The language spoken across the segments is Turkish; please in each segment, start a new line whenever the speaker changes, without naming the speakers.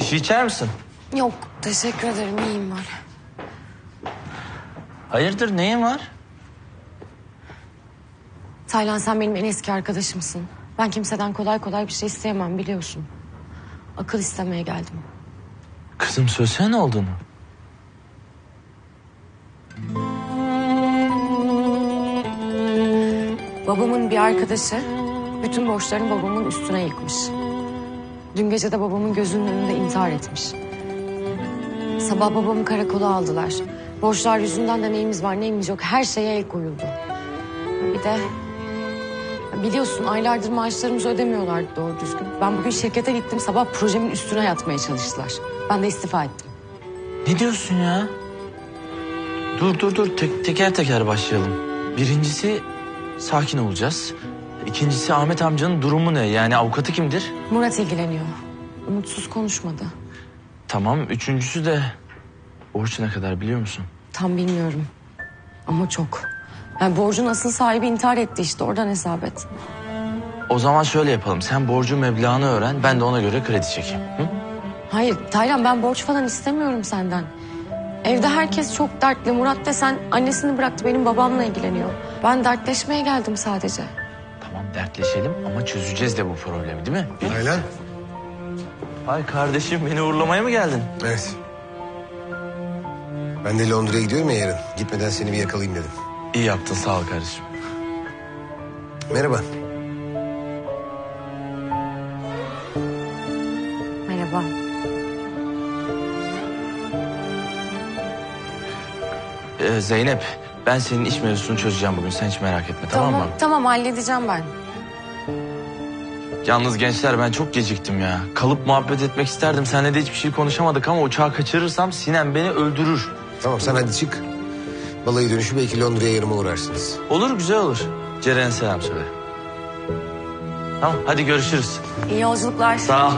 şey içer misin?
Yok, teşekkür ederim. İyiyim böyle.
Hayırdır, neyin var?
Taylan, sen benim en eski arkadaşımsın. Ben kimseden kolay kolay bir şey isteyemem, biliyorsun. Akıl istemeye geldim.
Kızım söylesene ne olduğunu.
Babamın bir arkadaşı bütün borçlarını babamın üstüne yıkmış. Dün gece de babamın gözünün önünde intihar etmiş. Sabah babamı karakola aldılar. Borçlar yüzünden de neyimiz var neyimiz yok her şeye el koyuldu. Bir de biliyorsun aylardır maaşlarımızı ödemiyorlardı doğru düzgün. Ben bugün şirkete gittim, sabah projemin üstüne yatmaya çalıştılar. Ben de istifa ettim.
Ne diyorsun ya? Dur. Teker teker başlayalım. Birincisi sakin olacağız. İkincisi Ahmet amcanın durumu ne? Yani avukatı kimdir?
Murat ilgileniyor. Umutsuz konuşmadı.
Tamam. Üçüncüsü de borç ne kadar biliyor musun?
Tam bilmiyorum. Ama çok. Yani borcun asıl sahibi intihar etti işte, oradan hesap et.
O zaman şöyle yapalım. Sen borcu meblağını öğren. Ben de ona göre kredi çekeyim. Hı?
Hayır Taylan, ben borç falan istemiyorum senden. Evde herkes çok dertli. Murat desen annesini bıraktı, benim babamla ilgileniyor. Ben dertleşmeye geldim sadece.
Tamam dertleşelim ama çözeceğiz de bu problemi değil mi?
Taylan.
Ay kardeşim, beni uğurlamaya mı geldin?
Evet. Ben de Londra'ya gidiyorum ya yarın. Gitmeden seni bir yakalayayım dedim.
İyi yaptın, sağ ol kardeşim.
Merhaba.
Merhaba.
Zeynep, ben senin iş mevzusunu çözeceğim bugün. Sen hiç merak etme, tamam mı?
Tamam, halledeceğim ben.
Yalnız gençler, ben çok geciktim ya. Kalıp muhabbet etmek isterdim. Seninle de hiçbir şey konuşamadık ama uçağı kaçırırsam Sinem beni öldürür.
Tamam sen hadi çık. Balayı dönüşü belki Londra'ya yarıma uğrarsınız.
Olur, güzel olur. Ceren'e selam söyle. Tamam, hadi görüşürüz.
İyi yolculuklar.
Sağ ol.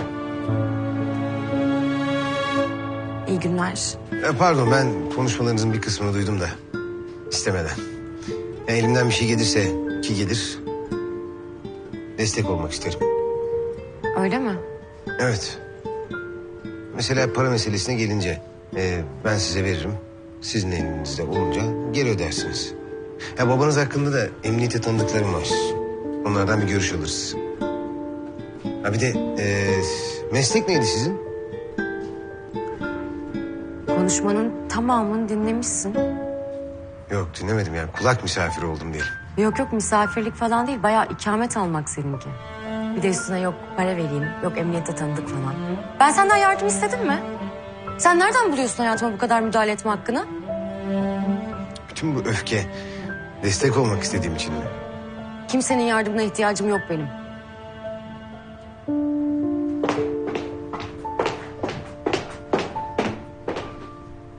İyi günler.
Pardon ben konuşmalarınızın bir kısmını duydum da. İstemeden. Ya elimden bir şey gelirse ki gelir. Destek olmak isterim.
Öyle mi?
Evet. Mesela para meselesine gelince ben size veririm. Sizin elinizde olunca geri ödersiniz. Ya babanız hakkında da emniyete tanıdıklarım var. Onlardan bir görüş alırız. Ha bir de meslek neydi sizin?
Konuşmanın tamamını dinlemişsin.
Yok dinlemedim yani kulak misafiri oldum diyelim.
Yok misafirlik falan değil, bayağı ikamet almak seninki. Bir de üstüne yok para vereyim, yok emniyette tanıdık falan. Ben senden yardım istedim mi? Sen nereden buluyorsun hayatıma bu kadar müdahale etme hakkını?
Bütün bu öfke destek olmak istediğim için mi?
Kimsenin yardımına ihtiyacım yok benim.